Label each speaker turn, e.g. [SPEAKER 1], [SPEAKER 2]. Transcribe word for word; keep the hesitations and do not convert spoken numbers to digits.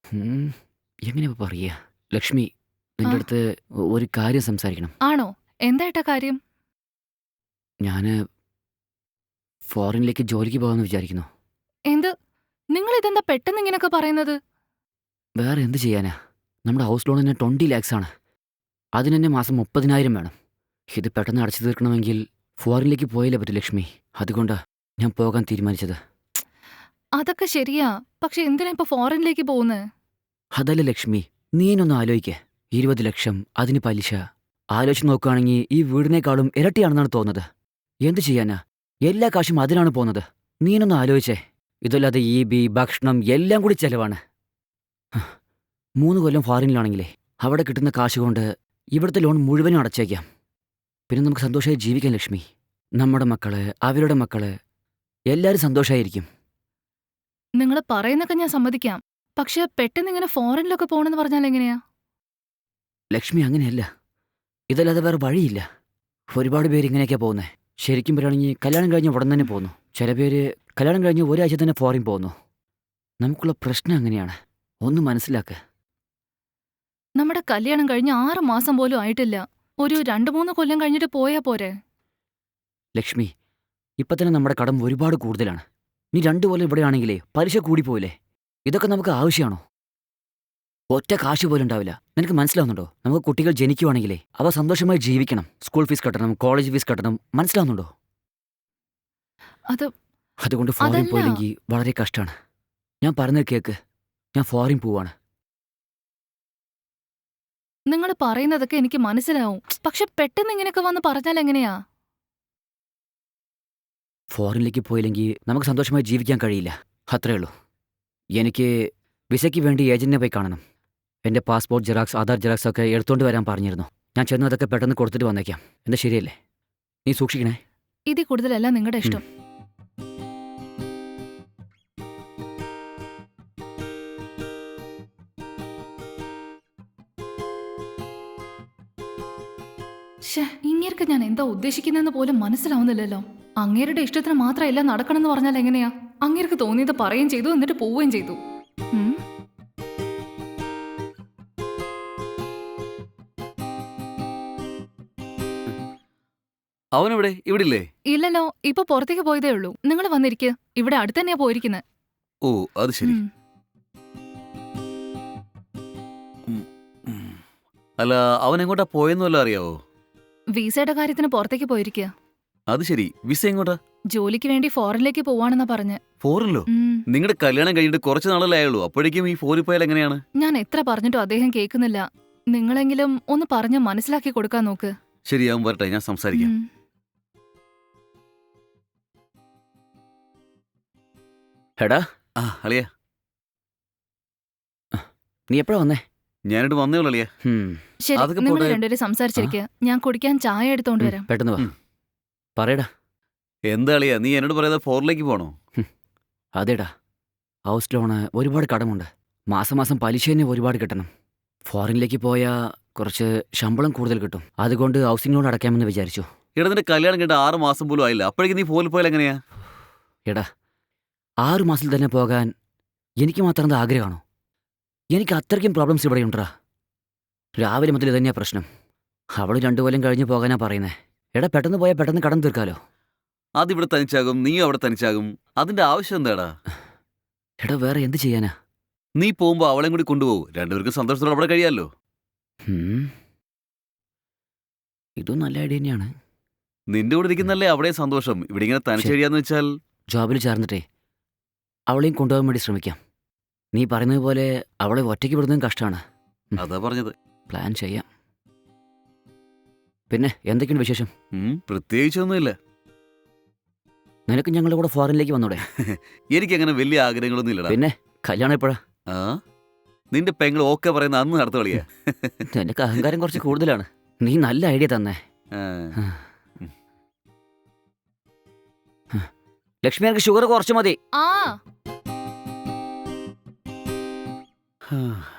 [SPEAKER 1] ഉം, എങ്ങനെ പറയാ ലക്ഷ്മി,
[SPEAKER 2] ആ,
[SPEAKER 1] നിന്റെ അടുത്ത് ഒരു കാര്യം സംസാരിക്കണം.
[SPEAKER 2] ആണോ? എന്താ കാര്യം?
[SPEAKER 1] ഞാന് ഫോറിനിലേക്ക് ജോലിക്ക് പോകാമെന്ന് വിചാരിക്കുന്നു.
[SPEAKER 2] എന്ത്? നിങ്ങൾ ഇതെന്താ പെട്ടെന്ന് ഇങ്ങനെയൊക്കെ പറയുന്നത്?
[SPEAKER 1] വേറെ എന്ത് ചെയ്യാനാ? നമ്മുടെ ഹൗസ് ലോൺ തന്നെ ട്വൻറ്റി ലാക്സ് ആണ്. അതിന് തന്നെ മാസം മുപ്പതിനായിരം വേണം. ഇത് പെട്ടെന്ന് അടച്ചു തീർക്കണമെങ്കിൽ ഫോറിനിലേക്ക് പോയാലേ പറ്റൂ ലക്ഷ്മി. അതുകൊണ്ടാ ഞാൻ പോകാൻ തീരുമാനിച്ചത്.
[SPEAKER 2] അതൊക്കെ ശരിയാ. പക്ഷെ എന്തിനാ ഇപ്പൊ ഫോറിനിലേക്ക് പോകുന്നത്?
[SPEAKER 1] അതല്ല ലക്ഷ്മി, നീനൊന്ന് ആലോചിക്ക്. ഇരുപത് ലക്ഷം, അതിന് പലിശ. ആലോചിച്ച് നോക്കുകയാണെങ്കിൽ ഈ വീടിനേക്കാളും ഇരട്ടിയാണെന്നാണ് തോന്നുന്നത്. എന്ത് ചെയ്യാനാ? എല്ലാ കാശും അതിനാണ് പോകുന്നത്. നീനൊന്ന് ആലോചിച്ചേ. ഇതല്ലാതെ ഈ ബി ഭക്ഷണം എല്ലാം കൂടി ചെലവാണ്. മൂന്ന് കൊല്ലം ഫോറിനിലാണെങ്കിലേ അവിടെ കിട്ടുന്ന കാശ് കൊണ്ട് ഇവിടുത്തെ ലോൺ മുഴുവനും അടച്ചേക്കാം. പിന്നെ നമുക്ക് സന്തോഷമായി ജീവിക്കാം ലക്ഷ്മി. നമ്മുടെ മക്കള്, അവരുടെ മക്കള്, എല്ലാവരും സന്തോഷമായിരിക്കും.
[SPEAKER 2] നിങ്ങൾ പറയുന്നൊക്കെ ഞാൻ സമ്മതിക്കാം. പക്ഷെ പെട്ടെന്ന് ഇങ്ങനെ ഫോറിനിലൊക്കെ പോകണമെന്ന് പറഞ്ഞാൽ എങ്ങനെയാ?
[SPEAKER 1] ലക്ഷ്മി, അങ്ങനെയല്ല. ഇതല്ലാതെ വേറെ വഴിയില്ല. ഒരുപാട് പേര് ഇങ്ങനെയൊക്കെയാ പോകുന്നത്. ശരിക്കും പറയുകയാണെങ്കിൽ കല്യാണം കഴിഞ്ഞ് ഉടൻ തന്നെ പോകുന്നു. ചില പേര് കല്യാണം കഴിഞ്ഞ് ഒരാഴ്ച തന്നെ ഫോറിൻ പോകുന്നു. നമുക്കുള്ള പ്രശ്നം അങ്ങനെയാണ്. ഒന്ന് മനസ്സിലാക്ക്.
[SPEAKER 2] നമ്മുടെ കല്യാണം കഴിഞ്ഞ് ആറ് മാസം പോലും ആയിട്ടില്ല. ഒരു രണ്ടു മൂന്ന് കൊല്ലം കഴിഞ്ഞിട്ട് പോയാ പോരെ?
[SPEAKER 1] ലക്ഷ്മി, ഇപ്പം തന്നെ നമ്മുടെ കടം ഒരുപാട് കൂടുതലാണ്. നീ രണ്ടു കൊല്ലം ഇവിടെയാണെങ്കിലേ പലിശ കൂടിപ്പോയില്ലേ? ഇതൊക്കെ നമുക്ക് ആവശ്യമാണോ? ഒറ്റ കാശ് പോലും ഉണ്ടാവില്ല. നിനക്ക് മനസ്സിലാവുന്നുണ്ടോ? നമുക്ക് കുട്ടികൾ ജനിക്കുവാണെങ്കിലേ അവ സന്തോഷമായി ജീവിക്കണം. സ്കൂൾ ഫീസ് കട്ടണം, കോളേജ് ഫീസ് കട്ടണം. മനസ്സിലാവുന്നുണ്ടോ?
[SPEAKER 2] അത്
[SPEAKER 1] അതുകൊണ്ട് ഫോറിൻ
[SPEAKER 2] അതല്ല.
[SPEAKER 1] പോയില്ലെങ്കിൽ വളരെ കഷ്ടമാണ്. ഞാൻ പറഞ്ഞത് കേക്ക്. ഞാൻ ഫോറിൻ പോവാണ്.
[SPEAKER 2] നിങ്ങൾ പറയുന്നതൊക്കെ എനിക്ക് മനസ്സിലാവും. പക്ഷെ പെട്ടെന്ന് ഇങ്ങനെയൊക്കെ വന്ന് പറഞ്ഞാൽ എങ്ങനെയാ?
[SPEAKER 1] ഫോറിനിലേക്ക് പോയില്ലെങ്കിൽ നമുക്ക് സന്തോഷമായി ജീവിക്കാൻ കഴിയില്ല. അത്രേ ഉള്ളൂ. എനിക്ക് വിസയ്ക്ക് വേണ്ടി ഏജന്റിനെ പോയി കാണണം. എൻ്റെ പാസ്പോർട്ട് ജെറാക്സ്, ആധാർ ജെറാക്സ് ഒക്കെ എടുത്തുകൊണ്ട് വരാൻ പറഞ്ഞിരുന്നു. ഞാൻ ചെന്ന് അതൊക്കെ പെട്ടെന്ന് കൊടുത്തിട്ട് വന്നേക്കാം. എന്താ ശരിയല്ലേ? നീ സൂക്ഷിക്കണേ.
[SPEAKER 2] ഇതിൽ കൂടുതലല്ല നിങ്ങളുടെ
[SPEAKER 1] ഉം.
[SPEAKER 2] ഇഷ്ടം. ശ്ശേ, ഇങ്ങേർക്ക് ഞാൻ എന്താ ഉദ്ദേശിക്കുന്നതെന്ന് പോലും മനസ്സിലാവുന്നില്ലല്ലോ. അങ്ങേരുടെ ഇഷ്ടത്തിന് മാത്രം എല്ലാം നടക്കണമെന്ന് പറഞ്ഞാൽ എങ്ങനെയാ? അങ്ങേർക്ക് തോന്നിയത് പറയുകയും ചെയ്തു, എന്നിട്ട് പോവുകയും ചെയ്തു. ഉം.
[SPEAKER 3] അവനെവിടെ? ഇവിടില്ലേ?
[SPEAKER 2] ഇല്ലല്ലോ, ഇപ്പൊ പുറത്തേക്ക് പോയതേ ഉള്ളൂ. നിങ്ങൾ വന്നിരിക്കുക. ഇവിടെ അടുത്ത് തന്നെയാ പോയിരിക്കുന്നത്.
[SPEAKER 3] ഓ, അത് ശരി.
[SPEAKER 2] ഉം.
[SPEAKER 3] ഉം, ഉം. അല്ല, അവൻ എങ്ങോട്ടാ പോയെന്ന് വല്ലതും അറിയാവോ?
[SPEAKER 2] വിസയുടെ കാര്യത്തിന് പുറത്തേക്ക് പോയിരിക്കുക.
[SPEAKER 3] അത് ശരി. വിസ എങ്ങോട്ടാ?
[SPEAKER 2] ജോലിക്ക് വേണ്ടി ഫോറിനിലേക്ക് പോവാണെന്നാ പറഞ്ഞ്.
[SPEAKER 3] ഫോറിനിലോ?
[SPEAKER 2] ഉം.
[SPEAKER 3] നിങ്ങളുടെ കല്യാണം കഴിഞ്ഞിട്ട് കുറച്ച് നാളല്ലേ ആയുള്ളൂ. അപ്പോഴേക്കും ഈ ഫോറിൽ പോയാൽ എങ്ങനെയാണ്?
[SPEAKER 2] ഞാൻ എത്ര പറഞ്ഞിട്ടും അദ്ദേഹം കേൾക്കുന്നില്ല. നിങ്ങളെങ്കിലും ഒന്ന് പറഞ്ഞ് മനസ്സിലാക്കി കൊടുക്കാൻ നോക്ക്.
[SPEAKER 3] ശരി, അവൻ വരട്ടെ, ഞാൻ സംസാരിക്കാം.
[SPEAKER 2] ഉം.
[SPEAKER 1] എടാ,
[SPEAKER 3] ആ, അളിയ,
[SPEAKER 1] നീ എപ്പോഴാ വന്നേ?
[SPEAKER 3] ഞാനിട്ട് വന്നേ ഉള്ളൂ അളിയ.
[SPEAKER 1] ഹും,
[SPEAKER 2] ശരി,
[SPEAKER 3] അതൊക്കെ
[SPEAKER 2] നിങ്ങൾ
[SPEAKER 3] പോട്ടെ.
[SPEAKER 2] രണ്ടുപേരും സംസാരിച്ചിരിക്കുക. ഞാൻ കുടിക്കാൻ ചായ എടുത്തോണ്ട്
[SPEAKER 1] ഉം,
[SPEAKER 2] വരാം.
[SPEAKER 1] പെട്ടെന്ന് വാ.
[SPEAKER 3] ഉം.
[SPEAKER 1] പറയടാ.
[SPEAKER 3] എന്താ അളിയ, നീ എന്നോട് പറയാതെ ഫോറിലേക്ക് പോണോ?
[SPEAKER 1] അതേടാ, ഹൗസ് ലോണ് ഒരുപാട് കടമുണ്ട്. മാസം മാസം പലിശ തന്നെ ഒരുപാട് കിട്ടണം. ഫോറിനിലേക്ക് പോയാൽ കുറച്ച് ശമ്പളം കൂടുതൽ കിട്ടും. അതുകൊണ്ട് ഹൗസിംഗ് ലോൺ അടയ്ക്കാമെന്ന് വിചാരിച്ചു.
[SPEAKER 3] ഇവിടെ നിന്റെ കല്യാണം കഴിഞ്ഞിട്ട് ആറ് മാസം പോലും ആയില്ല. അപ്പോഴേക്കും നീ ഫോറിൽ പോയാൽ എങ്ങനെയാ?
[SPEAKER 1] എടാ, ആറു മാസത്തിൽ തന്നെ പോകാൻ എനിക്ക് മാത്രം എന്താ ആഗ്രഹമാണോ? എനിക്ക് അത്രയ്ക്കും പ്രോബ്ലംസ് ഇവിടെ ഉണ്ടാ. രാവിലെ മുതൽ ഇതന്നെയാ പ്രശ്നം. അവൾ രണ്ടു കൊല്ലം കഴിഞ്ഞ് പോകാനാ പറയുന്നത്. എടാ, പെട്ടെന്ന് പോയാൽ പെട്ടെന്ന് കടം തീർക്കാലോ.
[SPEAKER 3] അതിവിടെ തനിച്ചാകും, നീയും അവിടെ തനിച്ചാകും. അതിന്റെ ആവശ്യം എന്താടാ?
[SPEAKER 1] എടാ, വേറെ എന്ത് ചെയ്യാനാ?
[SPEAKER 3] നീ പോകുമ്പോ അവളെയും കൂടി കൊണ്ടുപോകും. രണ്ടുപേർക്കും സന്തോഷത്തോടെ അവിടെ കഴിയാമല്ലോ.
[SPEAKER 1] ഹും, ഇതും നല്ല ഐഡിയ തന്നെയാണ്.
[SPEAKER 3] നിന്റെ കൂടെ ഇരിക്കുന്നല്ലേ അവിടെ സന്തോഷം. ഇവിടെ ഇങ്ങനെ തനിച്ച്
[SPEAKER 1] ശരി.
[SPEAKER 3] കഴിയാന്ന് വെച്ചാൽ
[SPEAKER 1] ജോബിൽ ചേർന്നിട്ടേ അവളെയും കൊണ്ടുപോകാൻ വേണ്ടി ശ്രമിക്കാം. നീ പറയുന്നത് പോലെ അവളെ ഒറ്റയ്ക്ക് വിടുന്നതും കഷ്ടമാണ്.
[SPEAKER 3] അതാ പറഞ്ഞത്.
[SPEAKER 1] പ്ലാൻ ചെയ്യാം. പിന്നെ എന്തൊക്കെയുണ്ട് വിശേഷം?
[SPEAKER 3] ഉം, പ്രത്യേകിച്ചൊന്നുമില്ല.
[SPEAKER 1] നിനക്ക് ഞങ്ങളുടെ കൂടെ ഫോറിനിലേക്ക് വന്നൂടെ?
[SPEAKER 3] എനിക്കങ്ങനെ വലിയ ആഗ്രഹങ്ങളൊന്നും ഇല്ലടാ.
[SPEAKER 1] പിന്നെ കല്യാണം എപ്പോഴാ?
[SPEAKER 3] ആ, നിന്റെ പെങ്ങൾ ഓക്കെ പറയുന്ന അന്ന് നടത്തു കളിയാ.
[SPEAKER 1] നിനക്ക് അഹങ്കാരം കുറച്ച് കൂടുതലാണ്. നീ നല്ല ഐഡിയ തന്നെ.
[SPEAKER 3] ആ.
[SPEAKER 1] ലക്ഷ്മി, എനിക്ക് ഷുഗർ കുറച്ച് മതി.
[SPEAKER 2] ആ
[SPEAKER 3] ആ.